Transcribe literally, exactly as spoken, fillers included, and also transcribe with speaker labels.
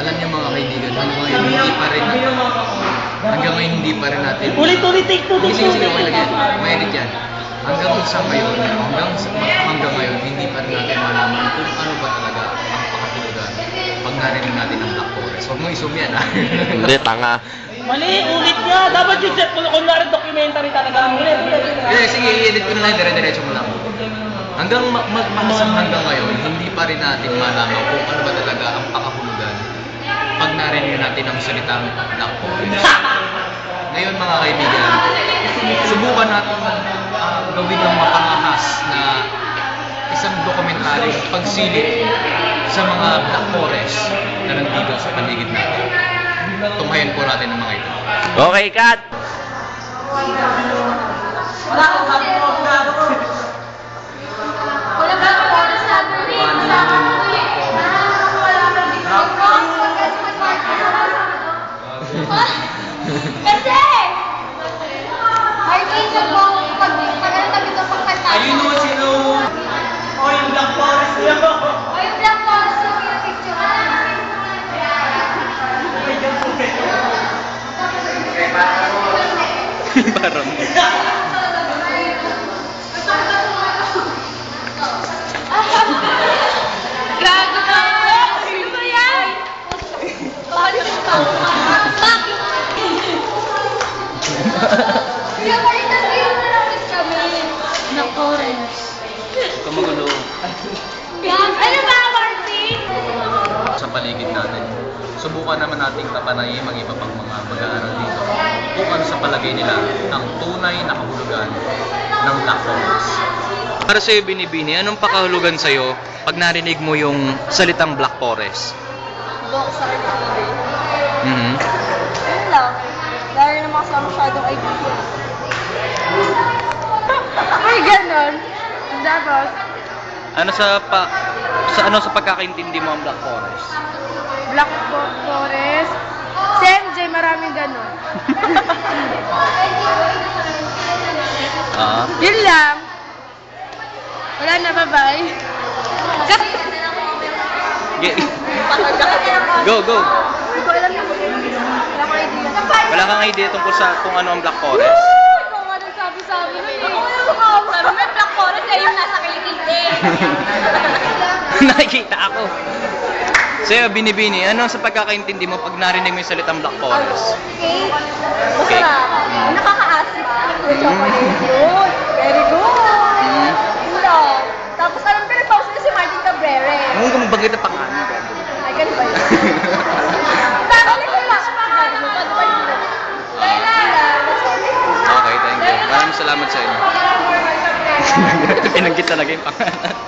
Speaker 1: Alam niyo mga kaibigan, hanggang ngayon hindi pa rin hanggang ngayon hindi pa rin natin
Speaker 2: Ulit-ulit, take two, take
Speaker 1: Sige,
Speaker 2: two.
Speaker 1: sige, okay lang yan. Mainit yan. Hanggang sa ngayon, hanggang sa, hanggang ngayon, hindi pa rin natin malaman kung ano ba talaga ang pakatulugan pag narinig natin ang Black Forest. Huwag mo isum yan, ha?
Speaker 3: Hindi, tanga.
Speaker 2: Mali, ulit nga. Dapat yung set mo, kunwari documentary talaga. Ulit, ulit, ulit.
Speaker 1: Sige, sige, i-edit ko na lang, dire-diretso mo lang. Hanggang ma- ma- ma- hanggang ngayon, hindi pa rin natin malaman kung ano ba talaga ang pakahulugan pag narinig natin ang salitang Black Forest. Ngayon mga kaibigan, subukan natin uh, gawin ng mapangahas na isang dokumentaryo pagsilip sa mga Black Forest na nandito sa paligid natin. Tunghayan po natin ang mga ito.
Speaker 3: Okay, cut!
Speaker 4: Wala ba ako oras sa Saturday? Kasama ko to eh. Ah, wala ba dito? Kasi! Martin, nag-go pag pag ano tabi ito pang kanta.
Speaker 2: Ayun mo, sino? Oh, yung Black Forest niya.
Speaker 4: O yung Black Forest yung pinapicture.
Speaker 3: Parang.
Speaker 4: Gago ka! Ano ba yan? Bakit ito? Bakit? Kaya pa rin nag-iyon na lang kami. Black Forest.
Speaker 3: Kamagulo.
Speaker 4: Gag- Ano ba, Martin?
Speaker 1: Sa paligid natin, subukan naman nating kapanayin ang iba pang mga mag-aaral dito kung ano sa palagay nila ang tunay na kahulugan ng Black Forest. Para sa'yo, Binibini, anong pakahulugan sa'yo pag narinig mo yung salitang Black Forest?
Speaker 4: Bok sa akin.
Speaker 1: Mhm.
Speaker 4: Yun lang. Dahil naman kasi masyadong idea. Ay, ganon. Tapos,
Speaker 3: Ano sa pa sa ano sa pagkakaintindi mo ang Black Forest?
Speaker 4: Black Forest. Si M J, maraming ganon.
Speaker 1: Ah.
Speaker 4: Yun lang. Wala na, bye-bye.
Speaker 3: Ge- Go, go.
Speaker 4: Hindi ko alam yung wala kang idea.
Speaker 3: Wala kang idea tungkol sa kung ano ang Black Forest?
Speaker 4: Ikaw nga nagsabi-sabi nun eh. Ako sabi mo, Black Forest eh, yung nasa kilikili.
Speaker 3: Nakikita ako. Sa'yo, Binibini, ano sa pagkakaintindi mo pag narinig mo yung salitang Black Forest?
Speaker 4: Okay? Masarap. Nakaka-acid. Chocolate yun. Very good. Yun lang. Tapos alam ko na-pause na si Martin Cabrera.
Speaker 3: Ano kung mabanggit na pangalan?
Speaker 4: Ay, ganun ba yun? Babalik ko lang. Sabi mo, paano ba yun? Kaya lang.
Speaker 3: Okay, thank you. Maraming salamat sa inyo. Pinanggit talaga yung pangalan.